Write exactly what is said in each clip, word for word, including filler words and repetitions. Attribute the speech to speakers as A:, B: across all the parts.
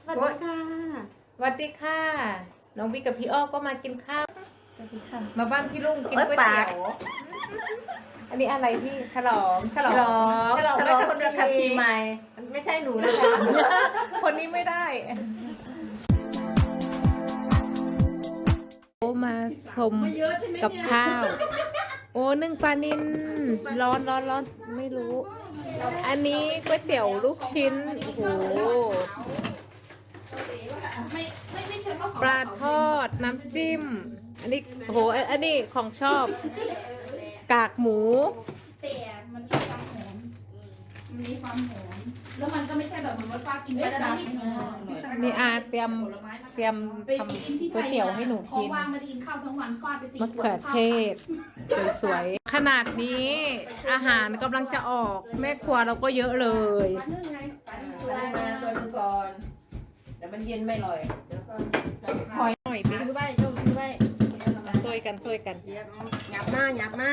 A: สวัสดีค่ะ
B: สวัสดีค่ะ น้องวิกับพี่อ้อก็มากินข้าวสวัสดีค่ะมาบ้านพี่ลุงกินก๋วยเตี๋ยว อันนี้อะไรที่ฉลอง
A: ฉลอง
B: ฉลอง
A: ฉลองคนเดียวขับขี่ใหม่ไม่ใช่หนูนะคะ
B: คนนี้ไม่ได้โอ้มาชมกับข้าว โอ้นึ่งปลานิลร้อนร้อนร้อนไม่รู้ อันนี้ก๋วยเตี๋ยวลูกชิ้นโอ้โหปลาทอดน้ำจิ้ม อันนี้โอ้โหอันนี้ของชอบ กากหมู
C: แต่มันมีความหอมมันมีความหอมแล้วมันก็ไม่ใช่แบบเหมือนว่าป้ากินไปแล้วนะ
B: นี่อาเตรียมเตรียมทำก๋วยเตี๋ยวให้หนูกิน
C: เพราะว่าไม่ได้กินข้าวทั้งวันฟาดไปสี่
B: มะเขือเทศสวยๆขนาดนี้อาหารกำลังจะออกแม่ครัวเราก็เยอะเลย
C: ปลานึ่งไงปลานึ่ง
A: ได้มาตัวนึงก่อนแต่มันเย็นไม่อร่อย
B: หอยหน่อยดิ
D: ซื้อไว้โยมซื้อไว้
B: ช่วยกันช่วยกัน
D: หยับมาหยับมา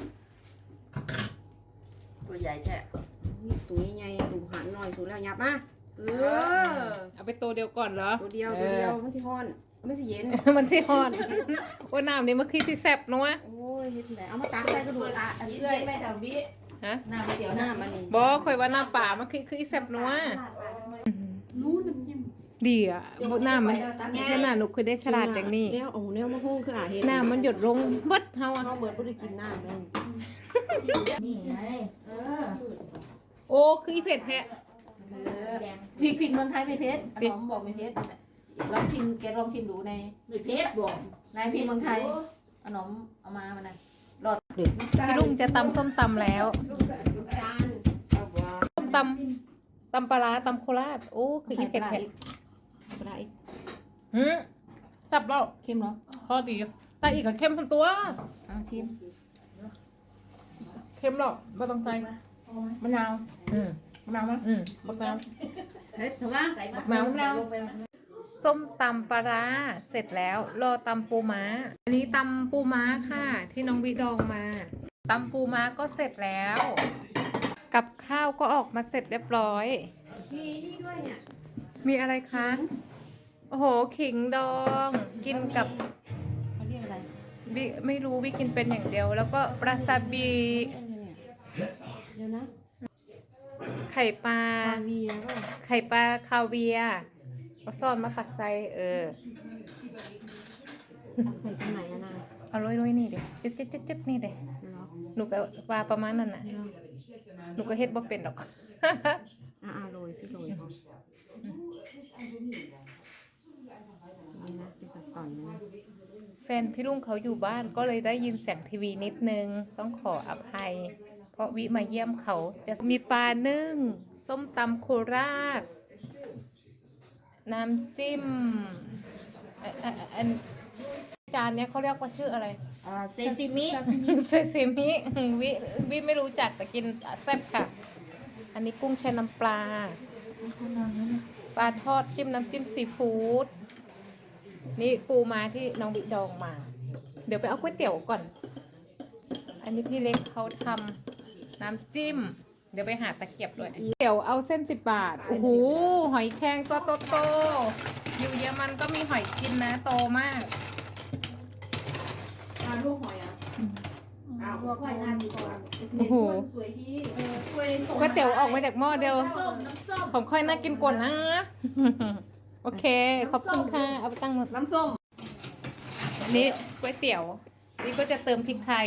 A: ตัวใหญ่แท้
D: ตัวใหญ่ๆตัวหันหน่อยสูแล้วหยับมาเออ
B: เอาไปตัวเดียวก่อนเหรอ
D: ตัวเดียวตัวเดียวมันสิฮ้อนมันสิเย็น
B: เออมันสิฮอนว่าน้ำนี่มันคือสิแซ่บนัว
D: โอ้ยเฮ็ดไหนเอามาตักใส่กระดูกอ่ะอัน
C: ยิ่
D: เอื้อย
C: งไม่ดาวิ
B: ฮะ
C: หน้าไม่เดี๋ยว
D: ห
C: ห
D: น้า
C: น้า
D: มันนี่
B: บอคอยว่าน้ำป่ามันคือคืออีแซ่บนัว
C: นู้นน้ำจิ้ม
B: ดีอ่ะน้ำมันขนาดหนูเคยได้ฉลาดอย่างนี้
D: แนวโอ้แนวมะฮุ่งคืออ่ะเฮ็ด
B: น้ำมันหยดลงเบิดเฮาอ่ะ
D: เฮาเหมือนบ่ได้กินน้ำเลย
C: นี่ไงเออ
B: โอ้คืออีเผ็ดแท้
C: พริกพริกเมืองไทยไม่เผ็ดขนมบอกไม่เผ็ดลองชิมแกลองชิมดูในไม่เผ็ดบอกนายพริกเมืองไทยขนมเอามามันนะรอด
B: พี่ลุงจะตำส้มตำแล้ว
D: จานเอาบ่
B: ส้มตำตำปลาร้าตำโคราชโอ้คืออีเผ็ดแท้
D: ปลาอีก
B: หืมจับแล้ว
C: เข้มเหรอ
B: พอดีแต่อีกกับเข้มทั้งตัว
C: เอาชิม
B: เข้มหรอกไม่ต้องใจ
C: มะนาว
B: อืม
C: มะนาวมั้ย
B: อืมบักน้
D: เฮ็ดเถอะว่า
B: ำน้ำมะนาวส้มตำปลาร้าเสร็จแล้วรอตำปูม้า อันนี้ตำปูม้าค่ะ ที่น้องวิดองมาตำปูม้าก็เสร็จแล้ว กับข้าวก็ออกมาเสร็จเรียบร้อย
D: มีนี่ด้วยเนี่ย
B: มีอะไรคะ โอ้โห ขิงดอง กินกับ
D: เขาเรียกอะไร
B: วิไม่รู้วิกินเป็นอย่างเดียว แล้วก็ปลาซาบิ
D: เดี๋ยวนะ
B: ไข่ปลา
D: ปลาเวียก็
B: ไข่ปลาคาเวียร์เอาซ่อนมาตักใจเออ
D: ตักใส่ตรงไหนอะนะ
B: เอาลุยลุยนี่เด็จึ๊กจึ๊กจึ๊กจึ๊กนี่เด็
D: เหรอ
B: หนูก็ปลาประมาณนั้นน่ะ หนูก็เฮ็ดบ่เป็นหรอก
D: อ่าโรยพี่โรยเอานี่นะเป็นตัดต่อนนะ
B: แฟนพี่ลุงเขาอยู่บ้านก็เลยได้ยินเสียงทีวีนิดนึง ต้องขออภัย เพราะวิมาเยี่ยมเขาจะมีปลานึ่ง ส้มตำโคราช น้ำจิ้มอ่ะอ่ะอ่ะอันจานเนี้ยเขาเรียกว่าชื่ออะไร
D: อ่าเซซิมิ
B: เซซิมิวิวิไม่รู้จักแต่กินแซ่บค่ะ อันนี้กุ้งแช่น้ำปลา ปลาทอดจิ้มน้ำจิ้มซีฟู้ด นี่ปูม้าที่น้องบิดองมา เดี๋ยวไปเอาก๋วยเตี๋ยวก่อน อันนี้พี่เล็กเขาทำน้ำจิ้ม เดี๋ยวไปหาตะเกียบด้วยเดี๋ยวเอาเส้นสิบบาท โอ้โห หอยแครงตัวโตๆอยู่เยอรมันก็มีหอยกินนะโตมาก
D: ปลาลูกหอยอ่ะ
C: เอาหัวไข่นานดีกว่า
B: โอ้โห
D: สวยดี
C: ถ้วย
B: ก๋วยเตี๋ยวออกมาจากหม้อเดียว
C: น้ำส้มน้ำส้ม
B: ผมค่อยน่ากินกว่านะ โอเค ขอบคุณค่ะ เอาไปตั้งหมด
C: น้ำส้ม
B: อันนี้ก๋วยเตี๋ยว นี่ก็จะเติมพริกไทย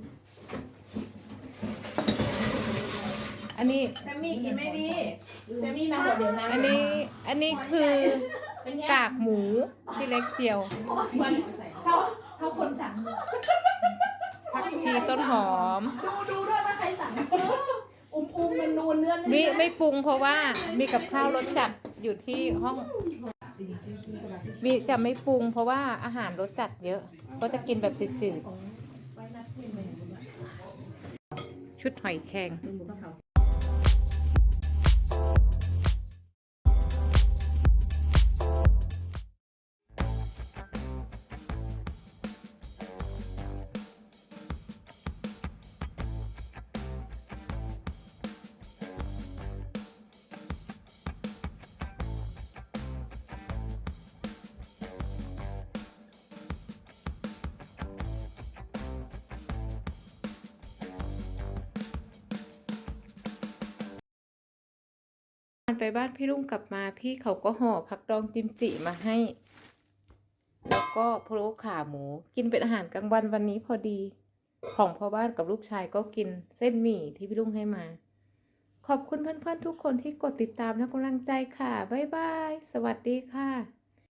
B: อันนี้
C: แซมมี่กินไหมพี่แซมมี่นะหัวเดี๋ยวนะ
B: อันนี้ อันนี้คือกากหมูที่เล็กเจียว
C: เท่าเท่าคนสั่ง
B: ผักชีต้นหอม
C: ดูดูด้วยว่าใครสั่งอุ้มอุ้มมันนูนเนื้อ
B: วิไม่ปรุงเพราะว่ามีกับข้าวรสจัดอยู่ที่ห้องวิจะไม่ปรุงเพราะว่าอาหารรสจัดเยอะ ก็จะกินแบบจืดๆชุดหอยแครงไปบ้านพี่ลุงกลับมาพี่เขาก็ห่อผักดองจิมจิมาให้ แล้วก็พะโล้ขาหมูกินเป็นอาหารกลางวันวันนี้พอดี ของพ่อบ้านกับลูกชายก็กินเส้นหมี่ที่พี่ลุงให้มา ขอบคุณเพื่อนๆทุกคนที่กดติดตามและกำลังใจค่ะบ๊ายบายสวัสดีค่ะ